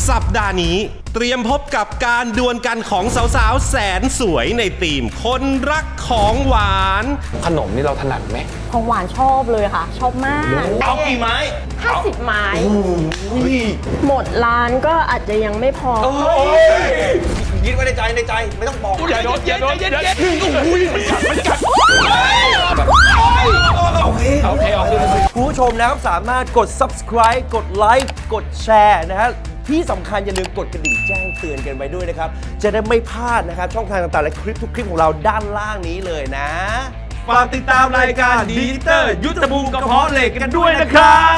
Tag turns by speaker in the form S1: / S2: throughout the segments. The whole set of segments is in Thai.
S1: สัปดาห์นี้เตรียมพบกับการดวลกันของสาวๆแสนสวยในทีมคนรักของหวาน
S2: ขนมนี่เราถนัดไหม
S3: ของหวานชอบเลยค่ะชอบมาก
S2: เอากี่ไม้
S3: 50 ไม้หมดร้านก็อาจจะยังไม่พอ
S2: คิดไว้ในใจไม่ต้องบอกอย่าโดนอุ้ยมันกัดโอเค
S4: ผู้ชมนะครับสามารถกด subscribe กดไลค์กดแชร์นะฮะที่สำคัญอย่าลืมกดกระดิ่งแจ้งเตือนกันไว้ด้วยนะครับจะได้ไม่พลาดนะครับช่องทางต่างๆและคลิปทุกคลิปของเราด้านล่างนี้เลยนะฝากติดตามรายการดีเตอร์ยุทธภูมิกระเพาะเหล็กกันด้วยนะครับ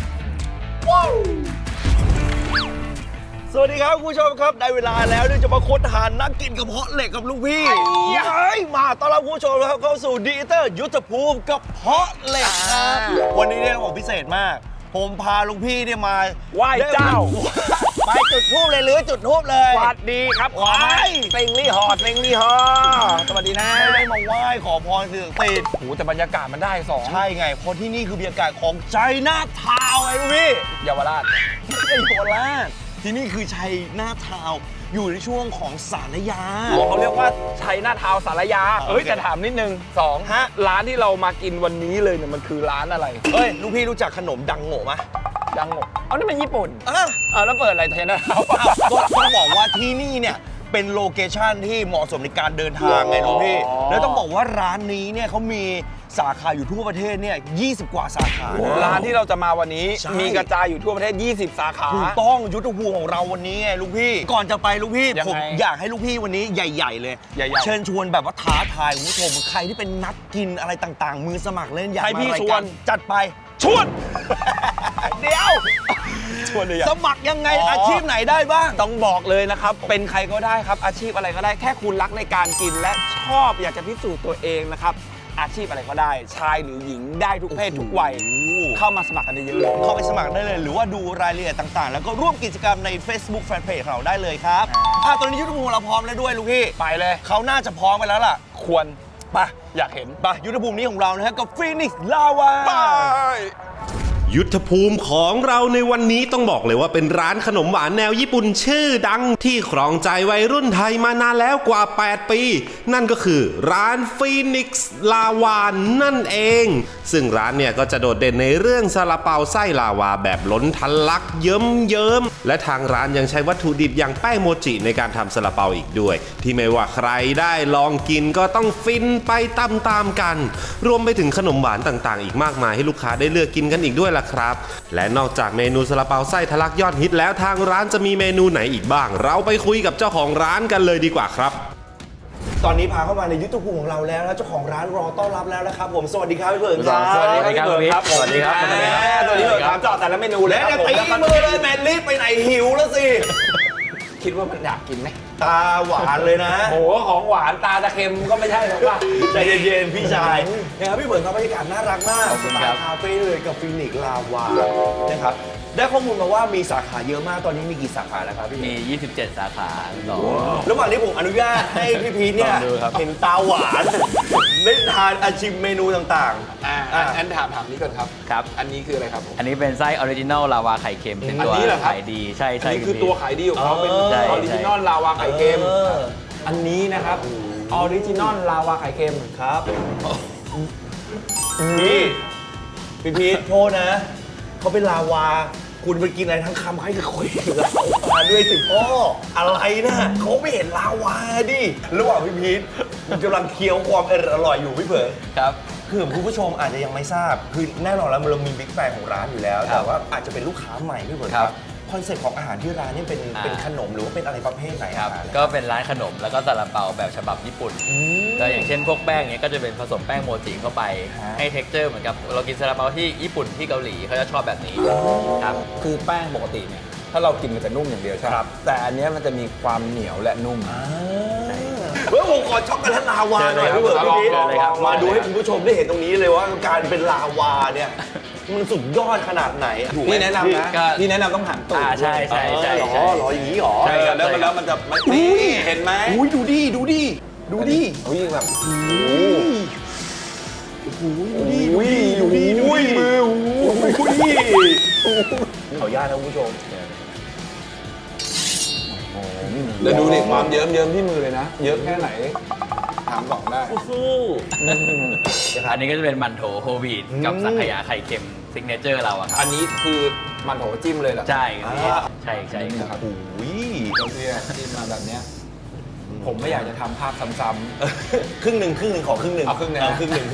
S4: สวัสดีครับคุณผู้ชมครับได้เวลาแล้วที่จะมาค้นหานักกินกระเพาะเหล็กกับลูกพี่มาต้อนรับคุณผู้ชมครับเข้าสู่ดีเตอร์ยุทธภูมิกระเพาะเหล็กครับวันนี้เนี่ยของพิเศษมากผมพาลุงพี่เนี่ยมา
S2: ไหว้เจ้า
S4: ไปจุดธูปเลยหรือจุดธูปเลย
S2: สวัสดีครับขอเต็งลี่ฮอสวัสดีนะ
S4: ไม่ได้มาไหว้ขอพรสิ่งศักดิ์สิทธิ์
S2: โหแต่บรรยากาศมันได้2
S4: ใช่ไงเพราะที่นี่คือบรรยากาศของใจนาทาวไงลุงพี่
S2: เยาวราช
S4: ไม่ใช่เยาวราชที่นี่คือชัยนาทาวอยู่ในช่วงของสารยา
S2: เขาเรียกว่าชัยนาทาวสารยาจะถามนิดนึง2ร้านที่เรามากินวันนี้เลยเนี่ยมันคือร้านอะไร
S4: ลูกพี่รู้จักขนมดังโง่ไหม
S2: ดังโง่นี่มันญี่ปุ่นแล้วเปิดอะไรชัยนาทาว
S4: ต้องบอกว่าที่นี่เนี่ยเป็นโลเคชั่นที่เหมาะสมในการเดินทางไงลุงพี่แล้วต้องบอกว่าร้านนี้เนี่ยเขามีสาขาอยู่ทั่วประเทศเนี่ย20 กว่าสาขา
S2: ร้านที่เราจะมาวันนี้มีกระจายอยู่ทั่วประเทศ20 สาขา
S4: ถูกต้องยุทธภูมิของเราวันนี้ไงลุงพี่ก่อนจะไปลุงพี่ผมอยากให้ลุงพี่วันนี้ใหญ่ๆเลยเชิญชวนแบบว่าท้าทายคุณผู้ชมใครที่เป็นนักกินอะไรต่างๆมือสมัครเล่นอยาก
S2: ให้พี่ชวน
S4: จัดไป
S2: ชวน
S4: เดี๋ยวชวนเลยสมัครยังไงอาชีพไหนได้บ้าง
S2: ต้องบอกเลยนะครับเป็นใครก็ได้ครับอาชีพอะไรก็ได้แค่คุณรักในการกินและชอบอยากจะพิสูจน์ตัวเองนะครับอาชีพอะไรก็ได้ชายหรือหญิงได้ทุกเพศทุกวัยเข้ามาสมัครกันเยอะเลย
S4: เข้าไปสมัครได้เลยหรือว่าดูรายละเอียดต่างๆแล้วก็ร่วมกิจกรรมใน Facebook Fanpage เราได้เลยครับตอนนี้ยุทธภูมิเราพร้อมแล้วด้วยลูกพี่
S2: ไปเลย
S4: เขาน่าจะพร้อมไปแล้วล่ะ
S2: ควร
S4: ไป
S2: อยากเห็น
S4: ไปยุทธภูมินี้ของเรานะฮะกับฟีนิกซ์ลาวา
S2: ไป
S1: ยุทธภูมิของเราในวันนี้ต้องบอกเลยว่าเป็นร้านขนมหวานแนวญี่ปุ่นชื่อดังที่ครองใจวัยรุ่นไทยมานานแล้วกว่า8 ปีนั่นก็คือร้านฟีนิกซ์ลาวานั่นเองซึ่งร้านเนี่ยก็จะโดดเด่นในเรื่องซาลาเปาไส้ลาวาแบบล้นทะลักเยิ้มและทางร้านยังใช้วัตถุดิบอย่างแป้งโมจิในการทำซาลาเปาอีกด้วยที่ไม่ว่าใครได้ลองกินก็ต้องฟินไปตามๆกันรวมไปถึงขนมหวานต่างๆอีกมากมายให้ลูกค้าได้เลือกกินกันอีกด้วยครับและนอกจากเมนูซาลาเปาไส้ทะลักยอดฮิตแล้วทางร้านจะมีเมนูไหนอีกบ้างเราไปคุยกับเจ้าของร้านกันเลยดีกว่าครับ
S4: ตอนนี้พาเข้ามาในยุทธภูมิของเราแล้วนะเจ้าของร้านรอต้อนรับแล้วนะครับผมสวัสดีครับพี่เบิร์ดครับ
S2: สวัสดีครับสวัสดีครับ
S4: ตอนนี้เราถามเจาะแต่ละเมนูแล้วตีมือเลยแมนรีบไปไหนหิวแล้วสิ
S2: คิดว่ามันอยากกินไหม
S4: ตาหวานเลยนะ
S2: โหของหวานตาจะเค็มก็ไม่ใช่หรอกว่า
S4: ใจเย็นๆพี่ชายนะครับพี่เบิร์ดครับบรรยากาศน่ารักมากสไตล์คาเฟ่เลยกับฟีนิกซ์ลาวานะครับได้ข้อมูลมาว่ามีสาขาเยอะมากตอนนี้มีกี่สาขาแล้วครับพี่
S5: มี27 สาขา
S4: ระหว่างนี้ผมอนุญาตให้พี่พีทเนี่ยเห็นตาหวานได้ทานอาชิมเมนูต่าง
S2: ๆอันถามนี้ก่อนครับ
S5: ครับ
S2: อันนี้คืออะไรครับ
S5: อันนี้เป็นไส้ออริจินอลลาวาไข่เค็มเป็นตัวขายดีใช่
S2: อันนี้คือตัวขายดีของเขาเป็นออริจินอลลาวาไข่เค็มอันนี้นะครับออริจินอลลาวาไข่เค็ม
S4: ครับพี่พีทโทษนะเขาเป็นลาวาคุณไปกินอะไรทั้งคำใครจะคุยลาวาด้วยสิพ่ออะไรนะเขาไม่เห็นลาวาดิระหว่างพี่พีทกำลังเคี้ยวความอร่อยอยู่พี่เผย
S5: ครับ
S4: คือคุณผู้ชมอาจจะยังไม่ทราบคือแน่นอนแล้วเรามีบิ๊กแฟนของร้านอยู่แล้วแต่ว่าอาจจะเป็นลูกค้าใหม่พี่เผยครับคอนเซ็ปต์ของอาหารที่ร้านนี่เป็นขนมหรือว่าเป็นอะไรประเภทไหนครับ
S5: ก็เป็นร้านขนมแล้วก็ซาลาเปาแบบฉบับญี่ปุ่นก็อย่างเช่นพวกแป้งเนี้ยก็จะเป็นผสมแป้งโมจิเข้าไปให้เท็กเจอร์เหมือนกับเรากินซาลาเปาที่ญี่ปุ่นที่เกาหลีเขาจะชอบแบบนี้
S2: ครับคือแป้งปกติเนี่ยถ้าเรากินมันจะนุ่มอย่างเดียวใช่ครับแต่อันนี้มันจะมีความเหนียวและนุ่ม
S4: ผมขอช็อกโกแลตลาวาหน่อยพี่เบิร์ดพี่พีทมาดูให้คุณผู้ชมได้เห็นตรงนี้เลยว่าการเป็นลาวาเนี่ยมันสุดยอดขนาดไหน
S2: พี่แนะนำนะพี่แนะนำต้องหันตูด
S5: ใช่
S4: หรออย่างนี้หรอ
S2: ใช่แล้วมันจะนี่เห็นไหม
S4: ดูดิอุ้ยแบบดูดิมือขออนุญาตนะคุณผู้ชม
S2: แล้วดูดิความเยิ้มที่มือเลยนะ เยอะแค่ไหน ถามก่อนได้
S5: อันนี้ก็จะเป็นมันโถโฮลวีตกับสังขยาไข่เค็มซิกเนเจอร์เราอะครับ
S2: อันนี้คือมันโถจิ้มเลยเหรอ
S5: ใช่ครับใช่ใช่ครับ
S4: โอ้ย
S2: เราเนี่ยจิ้มมาแบบเนี้ยผมไม่อยากจะทำภาพซ้ำ
S4: ครึ่งหนึ่งขอครึ่งหนึ่ง
S2: เอาครึ่งหนึ่ง
S4: ครึ่งหนึ่ง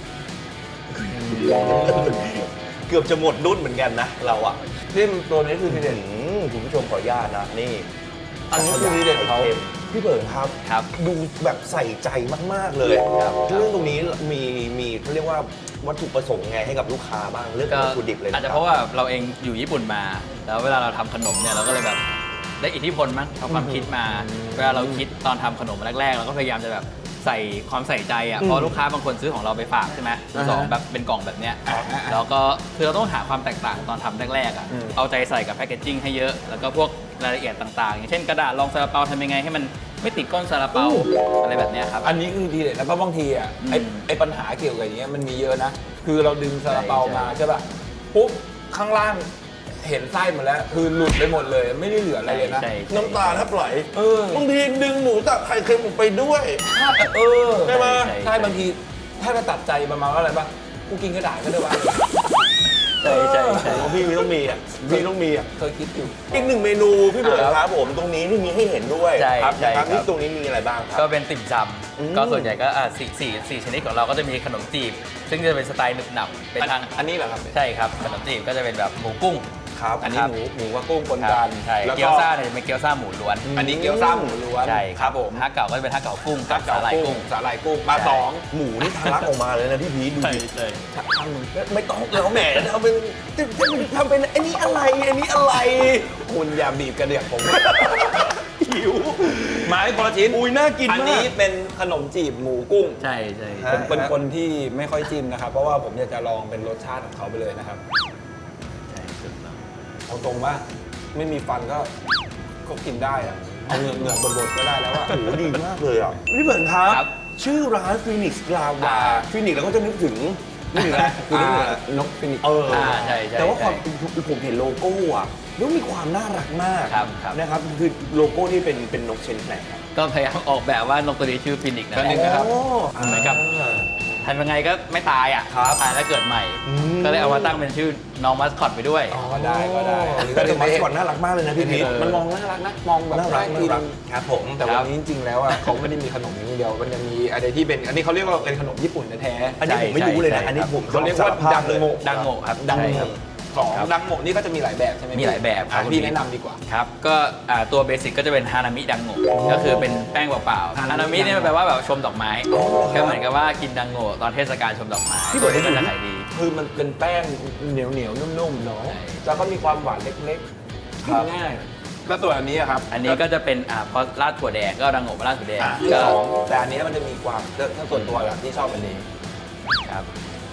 S4: เกือบจะหมดรุ่นเหมือนกันนะเราอะ
S2: ๆจิ้มตัวนี้คือทีเด็ด
S4: คุณผู้ชมขออนุญาตนะนี่
S2: อันนี้คือทีเด็ดเขา
S4: พี่เบิร์ดครับ
S5: ครับ
S4: ดูแบบใส่ใจมากๆเลย
S5: ครับ
S4: เรื่องตรงนี้มีเขาเรียกว่าวัตถุประสงค์ไงให้กับลูกค้าบ้างเรื่องของวัตถุดิบเลยน
S5: อาจจะเพราะว่าเราเองอยู่ญี่ปุ่นมา แล้วเวลาเราทำขนมเนี่ยเราก็เลยแบบได้อิทธิพลมั้งเอาความคิดมา เวลาเราคิดตอนทำขนมแรกๆเราก็พยายามจะแบบใส่ความใส่ใจอ่ะเพราะลูกค้าบางคนซื้อของเราไปฝากใช่ไหมมือสองแบบเป็นกล่องแบบเนี้ยแล้วก็คือเราต้องหาความแตกต่างตอนทำแรกๆอ่ะเอาใจใส่กับแพคเกจจิ้งให้เยอะแล้วก็พวกรายละเอียดต่างๆ อย่างเช่นกระดาษรองซาลาเปาทำยังไงให้มันไม่ติดก้นซาลาเปาอะไรแบบเนี้ยครับ
S2: อันนี้คือทีเด็ดแล้วก็บางทีอ่ะไอ้ปัญหาเกี่ยวกับอย่างเงี้ยมันมีเยอะนะ คือเราดึงซาลาเปามาใช่ป่ะปุ๊บข้างล่างเห็นไส้หมดแล้ว คือหลุดไปหมดเลยไม่ได้เหลืออะไรเลยนะ
S5: ใช่
S4: น้ำตาแทบไหล
S2: เออ
S4: บางทีดึงหมูตับไข่เค็มออกไปด้วย
S2: เออ
S4: ใช่ไหม
S2: ใช่บางทีถ้าจะตัดใจประมาณว่าอะไรป่ะกูกินกระดาษก็ได้วะ
S5: ใช่ใช่ใช่
S4: เพราะพี่ต้องมีอ่ะพี่ต้องมีอ่ะ
S2: เคยคิดอยู่
S4: อีกหนึ่งเมนูพี่เบิร์ดครับผมตรงนี้ที่มีให้เห็นด้วย
S5: ใช่
S4: ครับ
S5: ใช่
S4: นะครับ
S5: ครับ
S4: นี่ตรงนี้มีอะไรบ้างค
S5: ก็
S4: รับ
S5: เป็นติ่มซำก็ส่วนใหญ่ก็สี่ชนิดของเราก็จะมีขนมจีบ ซึ่งจะเป็นสไตล์หนึบหนับเป็นทาง
S2: อันนี้เหรอครับ
S5: ใช่ครับขนมจีบก็จะเป็นแบบหมูกุ้ง
S4: ครับ
S2: อันนี้หมูกับกุ้งปน
S5: ค
S2: กั
S5: รับ
S2: น
S5: ใช่
S2: แล้ว
S5: เกี๊ยวซ่าเนี่ยจะเป็นเกี๊ยวซ่าหมูล้วน
S2: อันนี้เกี๊ยวซ่าหมูล้วน
S5: ใช่
S2: ครับผม
S5: ฮักเก่าก็จะเป็นฮักเก่ากุ้งกับสาหร่ายกุ้ง
S2: สาหร่ายกุ้งมา
S5: ใช่
S2: สอง
S4: หมูนี่ทะลักออกมาเลยนะพี่พีชดู
S5: ใช่
S4: ดิ
S5: ใช่
S4: ไม่ต้องแล้วแหมทำเป็นทำเป็นอันนี้อะไรอันนี้อะไร
S2: คุณอย่าบีบกระเดือกผม
S4: หิว
S2: ไม้คนละชิ้น
S4: อุ้ยน่ากิน
S2: อัน
S4: มา
S2: นี้
S4: ก
S2: เป็นขนมจีบหมูกุ้ง
S5: ใช่ใช่
S4: ฮะ
S2: ผมเป็นคนที่ไม่ค่อยจิ้มนะครับ เพราะว่าผมอยากจะลองเป็นรสชาติของเขาไปเลยนะครับ
S5: ใช่ถูกต้อง
S2: เอาตรงว่าไม่มีฟันก็กินได้อะเอาเหงือกบดๆก็ได้แล้วอะ
S4: โอ้โหดีมากเลยอ่ะพี่เบิร์ดครับ ชื่อร้านฟีนิกซ์ลาวาฟีนิกซ์เราก็จะนึกถึงนี่นะคือนึกถึงอะไร
S2: นกฟินิกซ์
S5: ใช่ใช่
S4: แต่ว่าความ
S5: ใช่
S4: ผมเห็นโลโก้อ่ะแล้วมีความน่ารักมาก
S5: ครับครับ
S4: นะครับคือโลโก้นี่เป็นนกเชนไหนครับ
S5: ก็พยายามออกแบบว่านกตัวนี้ชื่อฟินิกซ์นะ
S2: ฟินิกซ์นะครับ
S5: เหมือนกับทำยังไงก็ไม่ตายอ่ะ
S4: ครับ
S5: ตายแล้วเกิดใหม่
S4: อืม
S5: ก็เลยเอามาตั้งเป็นชื่อน้องมัสคอตไปด้วย
S2: ก็ได้ก็ได้
S4: แต่มัสคอตน่ารักมากเลยนะพี่พีท
S2: มันมองน่ารักนะ มองแบบ
S4: น่ารัก
S2: น่า
S4: น่า
S2: กิน
S4: รักครับผม
S2: แต่วันนี้จริงๆแล้วอ่ะเขาไม่ได้มีขนมอย่างเดียวมันจะมีอะไรที่เป็นอันนี้เขาเรียกว่าเป็นขนมญี่ปุ่นแท้
S4: อันนี้ผมไม่รู้เลยนะ
S5: ใช่
S4: อันนี้ผม
S2: เขาเรียกว่า
S4: สภพ
S2: ดัง
S4: เลย
S2: โงะ
S5: ดังโง่ครับ
S2: ดัง
S5: ใช่
S2: โง
S5: ครับ
S2: ของ
S5: ครับ
S2: ดังโงะนี่ก็จะมีหลายแบบใช่ไหม
S5: มีหลายแบบครับ
S2: พี่แนะนำดีกว่า
S5: ครับ ก็ตัวเบสิกก็จะเป็นฮานามิดังโง่ก็คือเป็นแป้งเปล่าๆ
S2: ฮา
S5: ฮา
S2: นา
S5: นา
S2: มิ
S5: มิเนี่ยมันแปลว่าแบบชมดอกไม้ก็เหมือนกับว่ากินดังโง่ตอนเทศกาลชมดอกไม้
S4: พี่เบิร์ดได้
S5: มัน
S4: ดู
S5: จะขายดี
S2: คือมันเป็นแป้งเหนียวๆนุ่มๆเนาะ
S5: ใช่
S2: แล้วก็มีความหวานเล็กๆกินง่ายแล้วตัวอันนี้อะครับ
S5: อันนี้ก็จะเป็นพอราดถั่วแดงก็ดังโง่มาราดถั่วแดง
S2: ที่
S5: ก็
S2: สองแต่อันนี้มันจะมีความถ้าส่วนตัวอะที่ชอบอันนี้
S5: ครับ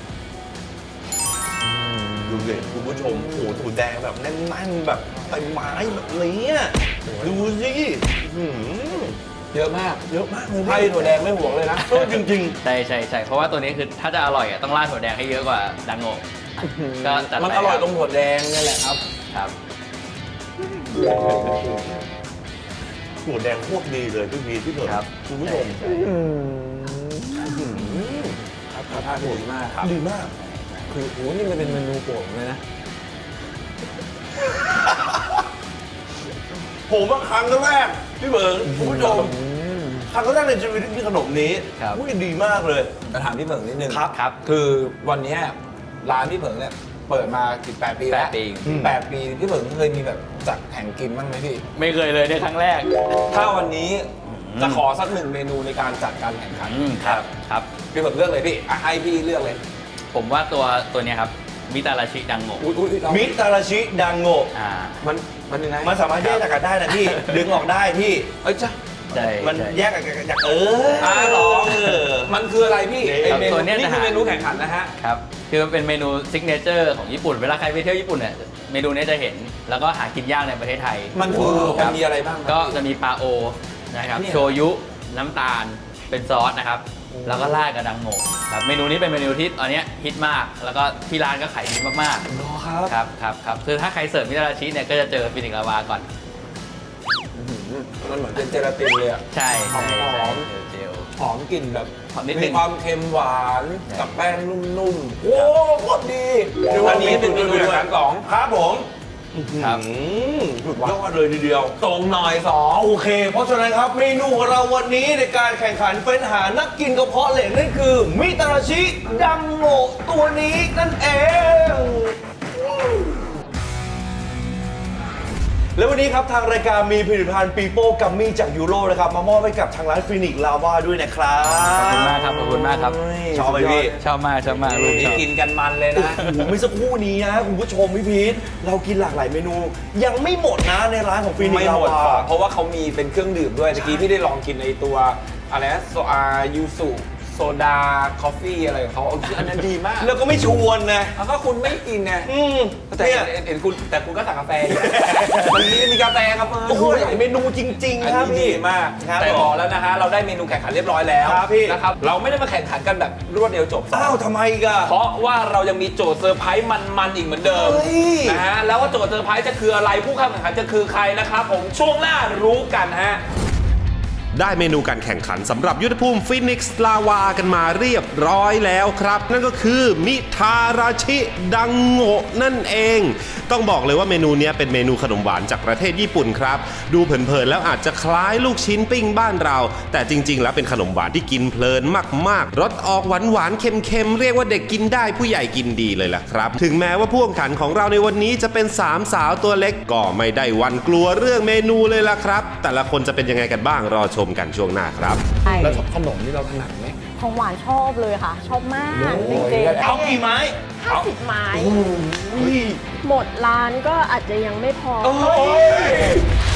S4: ดูเลยคุณผู้ชมโอ้โหถั่วแดงแบบแน่นๆแบบเต็มไม้แบบนี้อะดูสิอื้อหือ
S2: เยอะมาก
S4: เยอะมากเลย
S2: ไพ่ถั่วแดงไม่ห่วงเลยนะ
S4: เออจริง
S5: ใช่ใช่ใช่เพราะว่าตัวนี้คือถ้าจะอร่อยต้องราดถั่วแดงให้เยอะกว่าดังโง่ก็จัดไป
S2: มันอร่อยตรงถั่วแดงนี่แหละครับ
S5: ครับ
S4: ๆถั่วแดงโคตรดีเลยพี่พีพี่เบิร์ด
S5: ครับ
S4: คุณผู้ชม
S2: ครับท่าดีมากครับ
S4: ดีมาก
S2: คือโอ้โหนี่มันเป็นเมนูโปรดผมเลยนะ
S4: ผมว่าครั้งแรกพี่เบิร์ดคุณผู้ชมครั้งแรกในชีวิตที่กินขนมนี้
S5: ครับ
S4: อุ้ยดีมากเลย
S2: จะถามพี่เผิงนิดนึง
S4: ครับ
S5: ครับ
S2: คือวันเนี้ยร้านพี่เผิงเนี่ยเปิดมา18 ปีแล้ว
S5: 8 ปี
S2: 8 ปีพี่เผิงเคยมีแบบจัดแข่งกินบ้างไหมพี่
S5: ไม่เคยเลยในครั้งแรก
S2: ถ้าวันนี้จะขอสักหนึ่งเมนูในการจัดการแข่งขัน
S5: ครับครับ
S2: พี่เผิงเลือกเลยพี่อ่ะให้พี่เลือกเลย
S5: ผมว่าตัวเนี้ยครับมิตาราชิดังโง่
S2: อุ้ยเรา
S4: มิตาราชิดังโงะ
S2: มันยังไง
S4: มันสามารถแยกจากกันได้นะพี่ ดึงออกได้พี่
S2: เอ้ยจ้ะ
S5: ใช่
S4: มัน
S5: ใช่
S4: แยกจาก
S2: เหรอ
S4: เออ
S2: มันคืออะไรพี่
S5: ครับ
S2: ไอเมนู
S5: ตัวเนี้ย
S2: นี่
S5: จะ
S2: คือ
S5: หา
S2: เมนูแข่งขันนะฮะ
S5: ครับคือมันเป็นเมนูซิกเนเจอร์ของญี่ปุ่น เวลาใครไปเที่ยวญี่ปุ่นเนี่ยเมนูเนี้ยจะเห็น แล้วก็หากินยากในประเทศไทย
S2: มันคือ
S5: ค
S2: มั
S5: รั
S2: น
S5: บ
S2: มีอะไรบ้างครับ
S5: ก็
S2: พี่
S5: จะมีปลาโอนะครับ
S2: เนี่ย
S5: โชยุน้ำตาลเป็นซอสนะครับ แล้วก็ราดกับดังโง่ครับเมนูนี้เป็นเมนูที่ตอนเนี้ยฮิตมาก แล้วก็ที่ร้านก็ขายดีมาก
S2: รอครับ
S5: ๆครับคือถ้าใครเสิร์ฟมิตาราชิเนี่ยก็จะเจอฟินิกซ์ลาวาก่อน
S2: มันเหมือนเป็นเจลาตินเลยอะ
S5: ใช่
S2: หอม
S5: เจล
S2: หอมกลิ่นแบบ
S5: หอมนิดนึ
S2: มี
S5: ง
S2: ความเค็มหวานกับแป้งนุ่มๆ โอ้โคตรดี อันนี้เป็นเมนูอาหารสอง
S4: ครับผม
S5: ครับ
S4: สุดยอดเลยทีเดียว
S2: ตรงหน่อยสอง
S4: โอเค เพราะฉะนั้นครับเมนูของเราวันนี้ในการแข่งขันเฟ้นหานักกินกระเพาะเหล็กนั่นคือมิตาราชิดังโงะตัวนี้นั่นเอง แล้ววันนี้ครับทางรายการมีผลิตภัณฑ์ปีโป้กัมมี่จากยูโรนะครับมามอบให้กับทางร้านฟินิกลาวาด้วยนะครับ
S5: ขอบคุณมากครับ ขอบคุณมากครับ
S4: ชอบไหมพี่
S5: ชอบมากลูกช
S2: นี่
S5: อบ
S2: กินกันมันเลยนะ
S4: โอ้โหเมื่อสักครู่นี้นะคุณผู้ชมพี่พีทเรากินหลากหลายเมนู ยังไม่หมดนะในร้านของฟินิก
S2: ไม่
S4: ลา
S2: หมด
S4: วา
S2: เพราะว่าเขามีเป็นเครื่องดื่มด้วยตะกี้พี่ได้ลองกินในตัวอะไรนะยูสุโซดาคอฟฟี่อะไรของเขาอันนั้นดีมาก
S4: แล้วก็ไม่ชวนนะ
S2: แล้วก็คุณไม่กินไง แต่
S4: เนี่ย
S2: เห็นคุณแต่คุณก็สั่งกาแฟอยู่ มันมีกาแฟครับ
S4: โอ้โหหลายเมนูจริง
S2: อัน
S4: ๆครับ
S2: นี้
S4: พี่
S2: ดีมาก
S4: ครับ
S2: แต่บอกแล้วนะฮะเราได้เมนูแข่งขันเรียบร้อยแล้ว
S4: ครับพี่
S2: นะครับเราไม่ได้มาแข่งขันกันแบบรวดเดียวจบ
S4: อ้าวทำไมอีกัน
S2: เพราะว่าเรายังมีโจทย์เซอร์ไพรส์มันๆอีกเหมือนเดิม
S4: เฮ้ย
S2: นะฮะแล้วว่าโจทย์เซอร์ไพรส์จะคืออะไรผู้เข้าแข่งขันจะคือใครนะครับผมช่วงหน้ารู้กันฮะ
S1: ได้เมนูการแข่งขันสำหรับยุทธภูมิฟินิกซ์ลาวากันมาเรียบร้อยแล้วครับ นั่นก็คือมิทาราชิดังโงะนั่นเอง ต้องบอกเลยว่าเมนูเนี้ยเป็นเมนูขนมหวานจากประเทศญี่ปุ่นครับ ดูเผินๆแล้วอาจจะคล้ายลูกชิ้นปิ้งบ้านเรา แต่จริงๆแล้วเป็นขนมหวานที่กินเพลินมากๆรสออกหวานๆเค็มๆเรียกว่าเด็กกินได้ผู้ใหญ่กินดีเลยล่ะครับ ถึงแม้ว่าผู้แข่งขันของเราในวันนี้จะเป็นสามสาวตัวเล็กก็ไม่ได้หวั่นกลัวเรื่องเมนูเลยล่ะครับ แต่ละคนจะเป็นยังไงกันบ้างรอชมกันช่วงหน้าครับ
S3: ใช่
S2: แล้วขนมนี่เราถนัดไหม
S3: ของหวานชอบเลยค่ะ ชอบมากจริงๆ
S4: เอากี่ไม้
S3: 50 ไม้ หมดร้านก็อาจจะยังไม่พอ
S4: โอ้ย